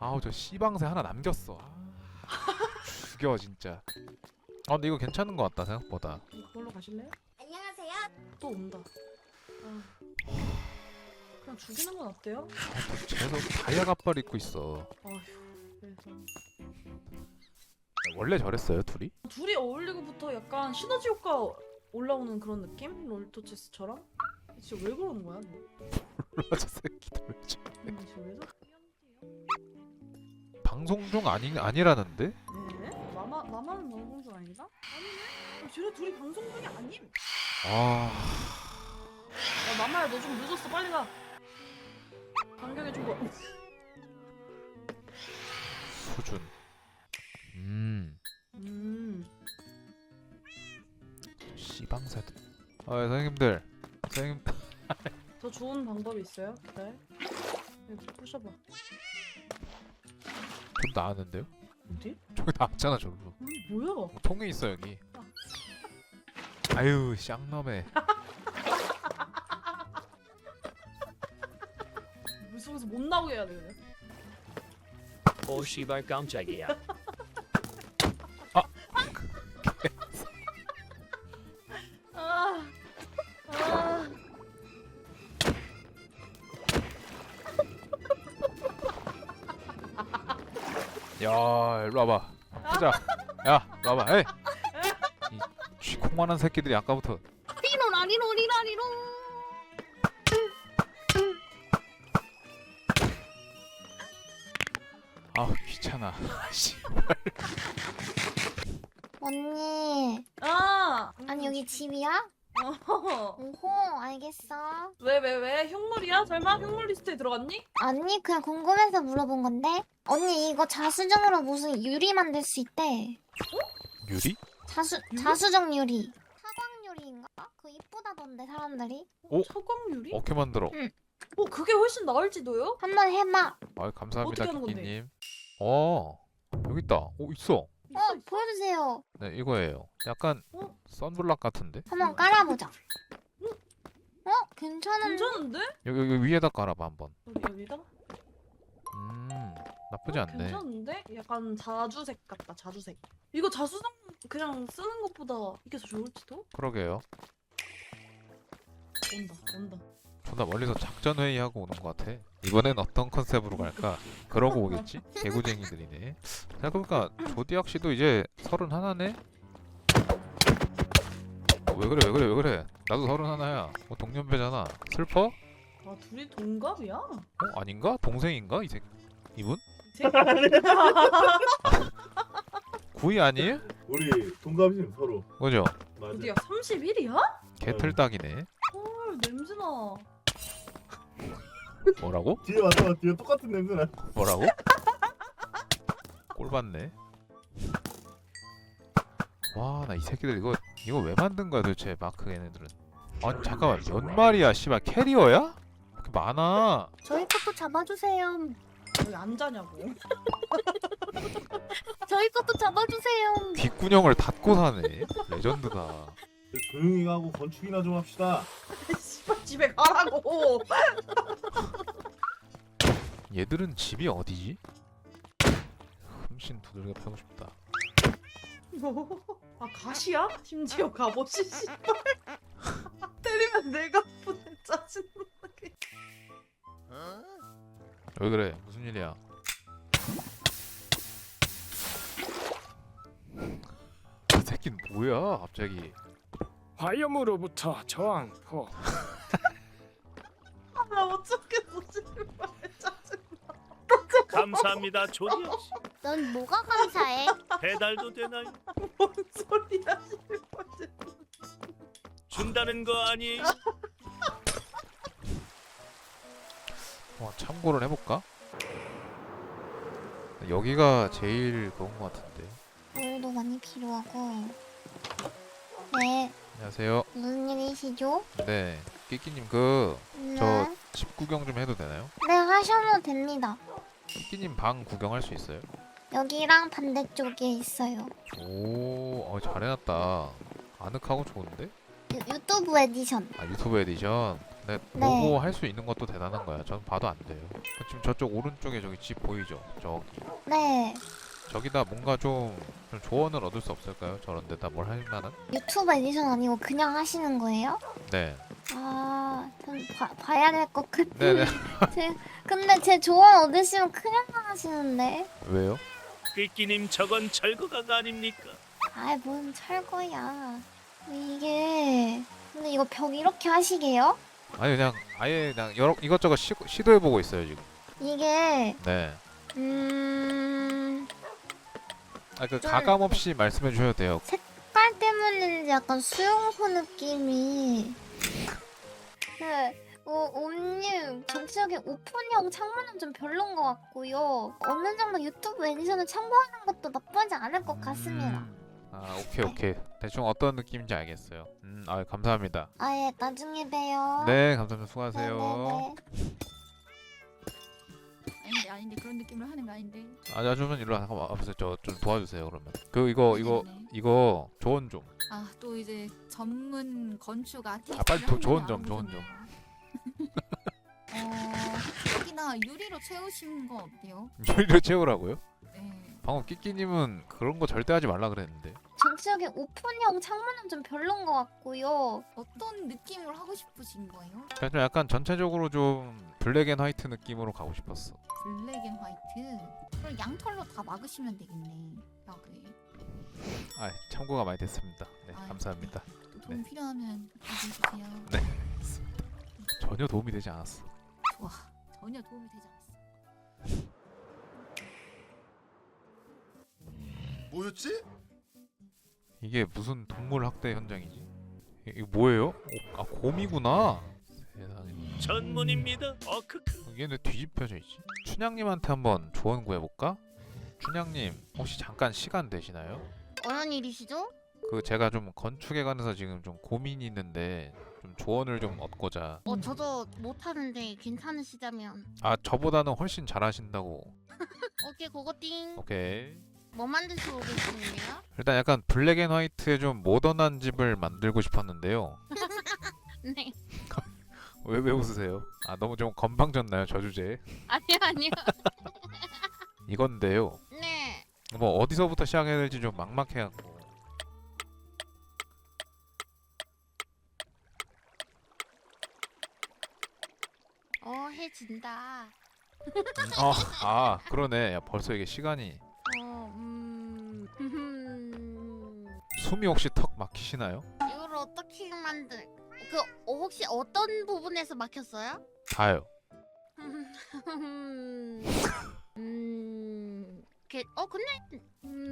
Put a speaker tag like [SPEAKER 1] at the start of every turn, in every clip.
[SPEAKER 1] 아우 저 씨방새 하나 남겼어. 죽여 진짜. 아 근데 이거 괜찮은 것 같다 생각보다.
[SPEAKER 2] 그걸로 가실래요?
[SPEAKER 3] 안녕하세요.
[SPEAKER 2] 또 온다. 아, 그냥 죽이는 건 어때요?
[SPEAKER 1] 쟤도 다이아 갑발 입고 있어.
[SPEAKER 2] 아휴, 그래서
[SPEAKER 1] 원래 저랬어요 둘이?
[SPEAKER 2] 둘이 어울리고부터 약간 시너지 효과 올라오는 그런 느낌? 롤토체스처럼? 진짜 왜 그러는 거야? 너?
[SPEAKER 1] 저 새끼들 왜 저래?
[SPEAKER 2] 진짜 왜 저래?
[SPEAKER 1] 방송 중 아니라는데?
[SPEAKER 2] 네? 나만 방송 중 아니다? 아니네? 쟤네 둘이 방송 중이 아님?
[SPEAKER 1] 아
[SPEAKER 2] 야 마마야 너 좀 늦었어 빨리 가. 간격이 좀 뭐.
[SPEAKER 1] 수준. 씨방새들. 아 선생님들. 선생님.
[SPEAKER 2] 더 좋은 방법이 있어요? 기다려. 여기 부셔봐.
[SPEAKER 1] 좀 나았는데요?
[SPEAKER 2] 어디?
[SPEAKER 1] 저기 나왔잖아 저기로.
[SPEAKER 2] 뭐야?
[SPEAKER 1] 통에 있어 여기. 아유 쌍놈에.
[SPEAKER 2] 물속에서 못 나오게 해야 돼 그냥.
[SPEAKER 4] 오 씨발 깜짝이야.
[SPEAKER 2] 아, 아.
[SPEAKER 1] 야 일로 와봐. 보자. 야 일로 와봐. 에이. 이 쥐콩만한 새끼들이 아까부터.
[SPEAKER 3] 리로라리로리라리로.
[SPEAKER 1] 아 귀찮아. 씨.
[SPEAKER 3] 언니. 아니 여기 집이야?
[SPEAKER 2] 어.
[SPEAKER 3] 오호 알겠어.
[SPEAKER 2] 왜? 흉물이야? 설마 흉물 리스트에 들어갔니?
[SPEAKER 3] 아니 그냥 궁금해서 물어본 건데. 언니 이거 자수정으로 무슨 유리 만들 수 있대.
[SPEAKER 1] 유리?
[SPEAKER 2] 유리?
[SPEAKER 3] 자수정 유리. 사광 유리인가? 그거 이쁘다던데 사람들이.
[SPEAKER 1] 오?
[SPEAKER 2] 처광유리?
[SPEAKER 1] 어떻게 만들어?
[SPEAKER 3] 응.
[SPEAKER 2] 그게 훨씬 나을지도요?
[SPEAKER 3] 한번 해봐.
[SPEAKER 1] 아 감사합니다
[SPEAKER 2] 어떻게 하는 건데?
[SPEAKER 1] 키키님. 여기 있다. 오 있어.
[SPEAKER 3] 보여주세요.
[SPEAKER 1] 네 이거예요. 약간
[SPEAKER 2] 어?
[SPEAKER 1] 선블락 같은데?
[SPEAKER 3] 한번 깔아보자. 괜찮은데?
[SPEAKER 2] 괜찮은데?
[SPEAKER 1] 여기 위에다 깔아봐 한번.
[SPEAKER 2] 여기다?
[SPEAKER 1] 나쁘지 않네.
[SPEAKER 2] 괜찮은데? 약간 자주색 같다 자주색. 이거 자수성 그냥 쓰는 것보다 이게 더 좋을지도?
[SPEAKER 1] 그러게요.
[SPEAKER 2] 온다.
[SPEAKER 1] 존나 멀리서 작전 회의하고 오는 것 같아. 이번엔 어떤 컨셉으로 갈까? 그러고 오겠지? 개구쟁이들이네. 생각해보니까 조디악 씨도 이제 31네? 왜 그래? 나도 31야. 뭐 동년배잖아. 슬퍼?
[SPEAKER 2] 아 둘이 동갑이야?
[SPEAKER 1] 아닌가? 동생인가? 이분? 구이 아니에요?
[SPEAKER 5] 우리 동갑이sim 서로.
[SPEAKER 1] 그죠?
[SPEAKER 5] 맞아.
[SPEAKER 2] 어디야 31이야?
[SPEAKER 1] 개틀딱이네.
[SPEAKER 2] 헐 냄새나.
[SPEAKER 1] 뭐라고?
[SPEAKER 5] 뒤에 와서 뒤에 똑같은 냄새나.
[SPEAKER 1] 뭐라고? 꼴받네. 와 나 이 새끼들 이거 왜 만든 거야 도대체 마크 얘네들은. 아니 잠깐만 몇 마리야 씨발 캐리어야? 이렇게 많아.
[SPEAKER 3] 저희 것도 잡아주세요.
[SPEAKER 2] 왜 안 자냐고.
[SPEAKER 3] 저희 것도 잡아주세요.
[SPEAKER 1] 귓구녕을 닫고 사네. 레전드다.
[SPEAKER 5] 조용히 하고 건축이나 좀 합시다.
[SPEAKER 2] 씨발 집에 가라고.
[SPEAKER 1] 얘들은 집이 어디지? 흠씬 두들겨 패고 싶다.
[SPEAKER 2] 아 가시야? 심지어 갑옷이 씨발. 때리면 내가 아프네 짜증나게.
[SPEAKER 1] 왜 그래? 무슨 일이야? 이 새끼는 뭐야 갑자기.
[SPEAKER 6] 화염으로부터 저항포.
[SPEAKER 2] 나 어쩌겠어 씨발 짜증나.
[SPEAKER 4] 감사합니다 조디 씨.
[SPEAKER 3] 넌 뭐가 감사해?
[SPEAKER 4] 배달도 되나요?
[SPEAKER 2] 뭔 소리야 씨발.
[SPEAKER 4] 준다는 거 아니에요?
[SPEAKER 1] 참고를 해볼까? 여기가 제일 그런 것 같은데.
[SPEAKER 3] 물도 많이 필요하고. 네,
[SPEAKER 1] 안녕하세요.
[SPEAKER 3] 무슨 일이시죠?
[SPEAKER 1] 네, 끼끼님
[SPEAKER 3] 네.
[SPEAKER 1] 저 집 구경 좀 해도 되나요?
[SPEAKER 3] 네, 하셔도 됩니다.
[SPEAKER 1] 끼끼님 방 구경할 수 있어요?
[SPEAKER 3] 여기랑 반대쪽에 있어요.
[SPEAKER 1] 오, 잘해놨다. 아늑하고 좋은데?
[SPEAKER 3] 유튜브 에디션.
[SPEAKER 1] 아 유튜브 에디션. 네,
[SPEAKER 3] 네.
[SPEAKER 1] 보고 할 수 있는 것도 대단한 거야. 전 봐도 안 돼요. 지금 저쪽 오른쪽에 저기 집 보이죠? 저기.
[SPEAKER 3] 네.
[SPEAKER 1] 저기다 뭔가 좀 조언을 얻을 수 없을까요? 저런 데다 뭘 할 만한?
[SPEAKER 3] 유튜브 에디션 아니고 그냥 하시는 거예요?
[SPEAKER 1] 네.
[SPEAKER 3] 아, 좀 봐야 될 것
[SPEAKER 1] 네네.
[SPEAKER 3] 같은데. 근데 제 조언 얻으시면 큰일 나시는데.
[SPEAKER 1] 왜요?
[SPEAKER 4] 끼끼님 저건 철거가 아닙니까?
[SPEAKER 3] 아이, 뭔 철거야. 이게. 근데 이거 벽 이렇게 하시게요?
[SPEAKER 1] 아니 그냥 아예 그냥 여러 이것저것 시도해보고 있어요 지금.
[SPEAKER 3] 이게,
[SPEAKER 1] 네. 아 그
[SPEAKER 3] 좀-
[SPEAKER 1] 가감 없이 말씀해 주셔도 돼요.
[SPEAKER 3] 색깔 때문인지 약간 수용소 느낌이. 옴님, 전체적인 오픈형 창문은 좀 별론 것 같고요. 어느 정도 유튜브 에디션을 참고하는 것도 나쁘지 않을 것 같습니다.
[SPEAKER 1] 아 오케이. 대충 어떤 느낌인지 알겠어요. 아 감사합니다.
[SPEAKER 3] 아예 나중에 봬요.
[SPEAKER 1] 네 감사합니다. 수고하세요.
[SPEAKER 3] 네네네.
[SPEAKER 7] 아닌데 그런 느낌으로 하는 거 아닌데.
[SPEAKER 1] 아주면 일로 잠깐만 와보세요. 저 좀 도와주세요 그러면. 그 이거 조언 좀.
[SPEAKER 7] 아 또 이제 전문 건축 아티스트.
[SPEAKER 1] 아, 빨리 조언 좀.
[SPEAKER 7] 여기나 유리로 채우신 거 어때요?
[SPEAKER 1] 유리를 채우라고요?
[SPEAKER 7] 네.
[SPEAKER 1] 방금 끼끼님은 그런 거 절대 하지 말라 그랬는데.
[SPEAKER 3] 전체적인 오픈형 창문은 좀 별론 것 같고요.
[SPEAKER 7] 어떤 느낌으로 하고 싶으신 거예요?
[SPEAKER 1] 그냥 좀 약간 전체적으로 좀 블랙 앤 화이트 느낌으로 가고 싶었어.
[SPEAKER 7] 블랙 앤 화이트. 그럼 양털로 다 막으시면 되겠네. 벽을.
[SPEAKER 1] 아 참고가 많이 됐습니다. 네
[SPEAKER 7] 아,
[SPEAKER 1] 감사합니다.
[SPEAKER 7] 또 도움
[SPEAKER 1] 네.
[SPEAKER 7] 필요하면 얘기해 주세요.
[SPEAKER 1] 네. 전혀 도움이 되지 않았어.
[SPEAKER 7] 좋아. 전혀 도움이 되지 않았어.
[SPEAKER 8] 뭐였지?
[SPEAKER 1] 이게 무슨 동물 학대 현장이지? 이거 뭐예요? 아 곰이구나. 세상에.
[SPEAKER 4] 전문입니다. 크크.
[SPEAKER 1] 이게 왜 뒤집혀져 있지? 춘향님한테 한번 조언 구해볼까? 춘향님 혹시 잠깐 시간 되시나요?
[SPEAKER 3] 어떤 일이시죠?
[SPEAKER 1] 그 제가 좀 건축에 관해서 지금 좀 고민이 있는데 좀 조언을 좀 얻고자.
[SPEAKER 3] 저도 못하는데 괜찮으시다면.
[SPEAKER 1] 아 저보다는 훨씬 잘하신다고.
[SPEAKER 3] 오케이, 그거 띵.
[SPEAKER 1] 오케이.
[SPEAKER 3] 뭐 만드시고 계시는데요?
[SPEAKER 1] 일단 약간 블랙 앤 화이트의 좀 모던한 집을 만들고 싶었는데요.
[SPEAKER 3] 네.
[SPEAKER 1] 왜 웃으세요? 아 너무 좀 건방졌나요 저 주제?
[SPEAKER 3] 아니요.
[SPEAKER 1] 이건데요.
[SPEAKER 3] 네.
[SPEAKER 1] 뭐 어디서부터 시작해야 될지 좀 막막해갖고.
[SPEAKER 3] 해진다.
[SPEAKER 1] 아 그러네. 야 벌써 이게 시간이. 숨이 혹시 턱 막히시나요?
[SPEAKER 3] 이걸 어떻게 혹시 어떤 부분에서 막혔어요?
[SPEAKER 1] 다요.
[SPEAKER 3] 근데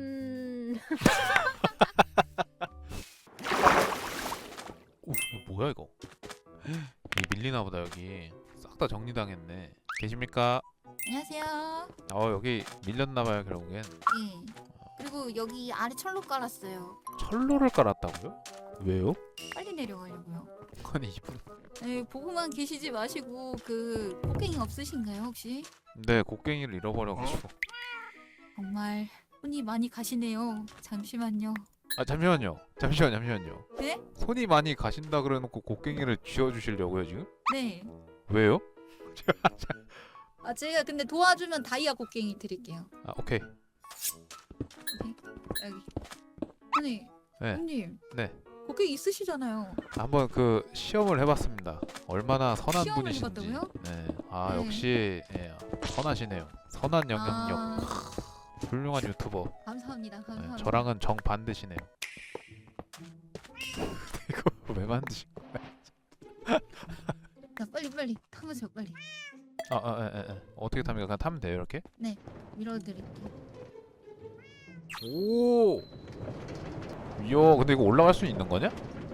[SPEAKER 1] 오 이거 뭐야 이거? 이 밀리나 보다 여기. 싹 다 정리당했네. 계십니까?
[SPEAKER 7] 안녕하세요.
[SPEAKER 1] 여기 밀렸나봐요 결국엔.
[SPEAKER 7] 예. 그리고 여기 아래 철로 깔았어요.
[SPEAKER 1] 철로를 깔았다고요? 왜요?
[SPEAKER 7] 빨리 내려가려고요.
[SPEAKER 1] 아니 이분.
[SPEAKER 7] 네, 보고만 계시지 마시고 그 곡괭이 없으신가요 혹시?
[SPEAKER 1] 네 곡괭이를 잃어버려가지고.
[SPEAKER 7] 정말 손이 많이 가시네요. 잠시만요.
[SPEAKER 1] 아 잠시만요.
[SPEAKER 7] 네?
[SPEAKER 1] 손이 많이 가신다 그래놓고 곡괭이를 쥐어주시려고요 지금?
[SPEAKER 7] 네.
[SPEAKER 1] 왜요?
[SPEAKER 7] 아 제가 근데 도와주면 다이아 곡괭이 드릴게요.
[SPEAKER 1] 아 오케이.
[SPEAKER 7] 여기. 아니,
[SPEAKER 1] 네.
[SPEAKER 7] 형님.
[SPEAKER 1] 네.
[SPEAKER 7] 곡괭이 있으시잖아요.
[SPEAKER 1] 한번 그 시험을 해봤습니다. 얼마나 선한
[SPEAKER 7] 시험을
[SPEAKER 1] 분이신지.
[SPEAKER 7] 해봤다고요?
[SPEAKER 1] 네. 아
[SPEAKER 7] 네.
[SPEAKER 1] 역시 선하시네요. 선한 영향력.
[SPEAKER 7] 아,
[SPEAKER 1] 훌륭한 유튜버.
[SPEAKER 7] 감사합니다.
[SPEAKER 1] 네,
[SPEAKER 7] 감사합니다.
[SPEAKER 1] 저랑은 정 반드시네요. 이거 왜 만드신 거야?
[SPEAKER 7] 자, 빨리 타보세요. 빨리
[SPEAKER 1] 어떻게 탑니까? 그냥 타면 돼요 이렇게?
[SPEAKER 7] 밀어드릴게요.
[SPEAKER 1] 오. 이야 근데 이거 올라갈 수 있는 거냐?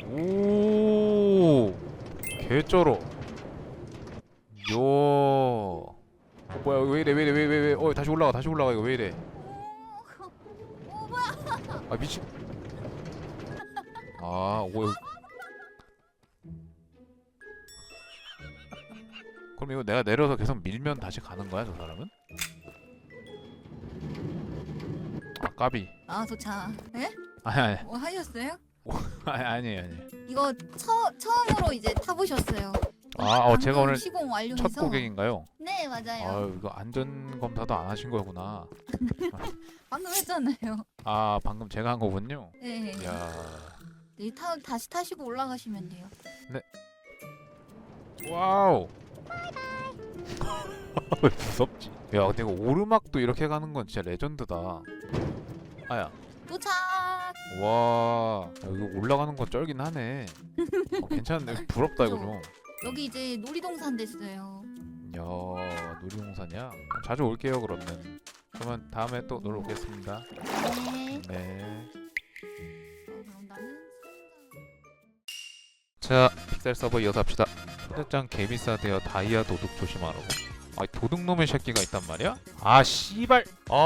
[SPEAKER 1] 오. 개쩔어. 이야. 뭐야 왜 이래 다시 올라가 이거 왜 이래? 아 미친. 그럼 이거 내가 내려서 계속 밀면 다시 가는 거야 저 사람은? 아 까비.
[SPEAKER 7] 아 도착. 에?
[SPEAKER 1] 아니
[SPEAKER 7] 뭐 하셨어요?
[SPEAKER 1] 아니에요.
[SPEAKER 7] 이거 처음으로 이제 타보셨어요.
[SPEAKER 1] 제가
[SPEAKER 7] 방금
[SPEAKER 1] 오늘
[SPEAKER 7] 시공 완료해서.
[SPEAKER 1] 첫 고객인가요?
[SPEAKER 7] 네 맞아요.
[SPEAKER 1] 아유 이거 안전 검사도 안 하신 거구나.
[SPEAKER 7] 방금 했잖아요.
[SPEAKER 1] 아 방금 제가 한 거군요.
[SPEAKER 7] 네.
[SPEAKER 1] 야,
[SPEAKER 7] 네, 다시 타시고 올라가시면 돼요.
[SPEAKER 1] 와우. 왜 무섭지? 야 근데 이거 오르막도 이렇게 가는 건 진짜 레전드다. 아야.
[SPEAKER 7] 도착.
[SPEAKER 1] 와, 야, 이거 올라가는 건 쩔긴 하네. 괜찮네. 부럽다 이거 좀.
[SPEAKER 7] 여기 이제 놀이동산 됐어요.
[SPEAKER 1] 야, 놀이동산이야? 자주 올게요 그러면. 그러면 다음에 또 놀러 오겠습니다.
[SPEAKER 7] 네.
[SPEAKER 1] 네.
[SPEAKER 7] 그럼 나는
[SPEAKER 1] 자, 픽셀 서버 이어서 합시다. 초대장 개비싸대요. 다이아 도둑 조심하라고. 아, 도둑놈의 새끼가 있단 말이야? 아, 씨발.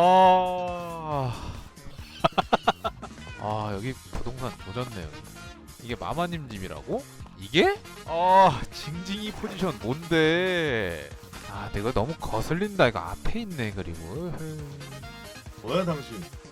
[SPEAKER 1] 아, 여기 부동산 조졌네요. 이게 마마님 집이라고? 이게? 징징이 포지션 뭔데? 아, 내가 너무 거슬린다. 이거 앞에 있네 그리고.
[SPEAKER 5] 뭐야 당신?